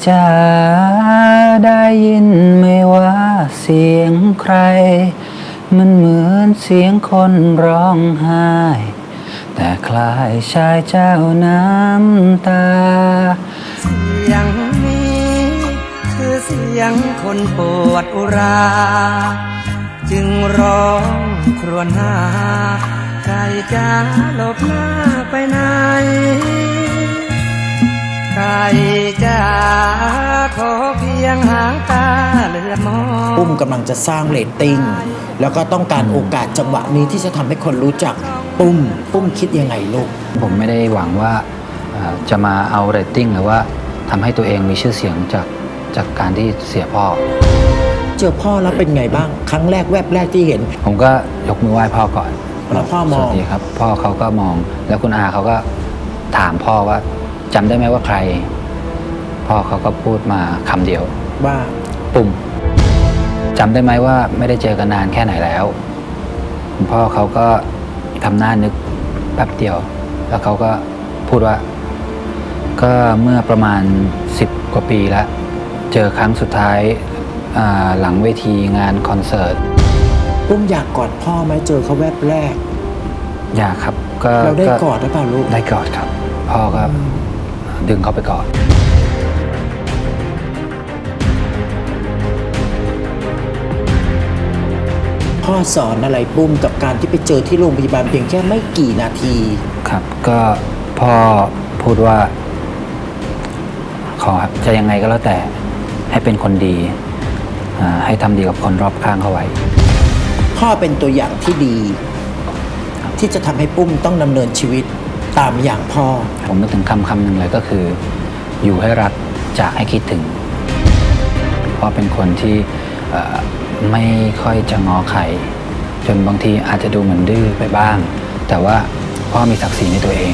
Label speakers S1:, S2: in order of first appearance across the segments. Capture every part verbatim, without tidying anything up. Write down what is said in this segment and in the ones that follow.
S1: จะได้ยินไหมว่าเสียงใครมันเหมือนเสียงคนร้องไห้แต่คล้ายชายเจ้าน้ำตา
S2: เสียงนี้คือเสียงคนปวดอุรา จึงร้องครวญหาใครจะหลบหน้าไปไหนใครจะขอเพียงหางตาเลือดมอง
S3: ปุ้มกำลังจะสร้างเรตติ้งแล้วก็ต้องการโอกาสจังหวะนี้ที่จะทำให้คนรู้จักปุ้มปุ้มคิดยังไงลูก
S1: ผมไม่ได้หวังว่าจะมาเอาเรตติ้งหรือว่าทำให้ตัวเองมีชื่อเสียงจากจากการที่เสียพ่อ
S3: เจอพ่อแล้วเป็นไงบ้างครั้งแรกแวบแรกที่เห็น
S1: ผมก็ยกมือไหว้พ่อก่อน
S3: แล้วพ่อมอง
S1: สวัสดีครับพ่อเขาก็มองแล้วคุณอาเขาก็ถามพ่อว่าจำได้ไหมว่าใครพ่อเขาก็พูดมาคำเดียว
S3: ว่า
S1: ปุ่มจำได้ไหมว่าไม่ได้เจอกันนานแค่ไหนแล้วคุณพ่อเขาก็ทำหน้านึกแป๊บเดียวแล้วเขาก็พูดว่าก็เมื่อประมาณสิบกว่าปีแล้วเจอครั้งสุดท้ายหลังเวทีงานคอนเสิร์ต
S3: ปุ้มอยากกอดพ่อไหมเจอเขาแวบแรก
S1: อยากครับก็
S3: เราได้กอดหรือเปล่าลูก
S1: ได้กอดครับพ่อก็ดึงเขาไปกอด
S3: พ่อสอนอะไรปุ้มกับการที่ไปเจอที่โรงพยาบาลเพียงแค่ไม่กี่นาที
S1: ครับก็พ่อพูดว่าขอจะยังไงก็แล้วแต่ให้เป็นคนดีให้ทำดีกับคนรอบข้างเขาไว้
S3: พ่อเป็นตัวอย่างที่ดีที่จะทำให้ปุ้มต้องดำเนินชีวิตตามอย่างพ่อ
S1: ผมนึกถึงคำคำหนึ่งเลยก็คืออยู่ให้รักจากให้คิดถึงพ่อเป็นคนที่ไม่ค่อยจะง้อใครจนบางทีอาจจะดูเหมือนดื้อไปบ้างแต่ว่าพ่อมีศักดิ์ศรีในตัวเอง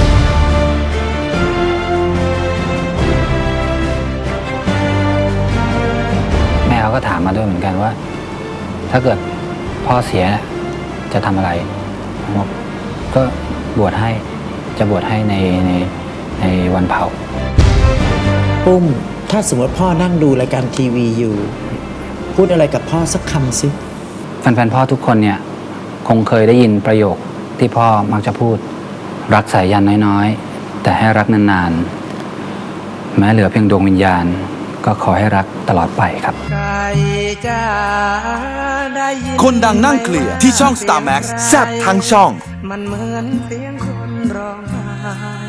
S1: แม่เขาก็ถามมาด้วยเหมือนกันว่าถ้าเกิดพ่อเสียจะทำอะไรก็บวชให้จะบวชให้ในในในวันเผา
S3: ปุ้มถ้าสมมติพ่อนั่งดูรายการทีวีอยู่พูดอะไรกับพ่อสักคำสิ
S1: แฟนๆพ่อทุกคนเนี่ยคงเคยได้ยินประโยคที่พ่อมักจะพูดรักสายยันน้อยๆแต่ให้รักนานๆแม้เหลือเพียงดวงวิญญาณก็ขอให้รักตลอดไปครับ
S4: คนดังนั่งเคลียร์ที่ช่อง สตาร์ แม็กซ์ แซ่บทั้งช่อง
S2: มันเหมือนเสียงคนร้องไห้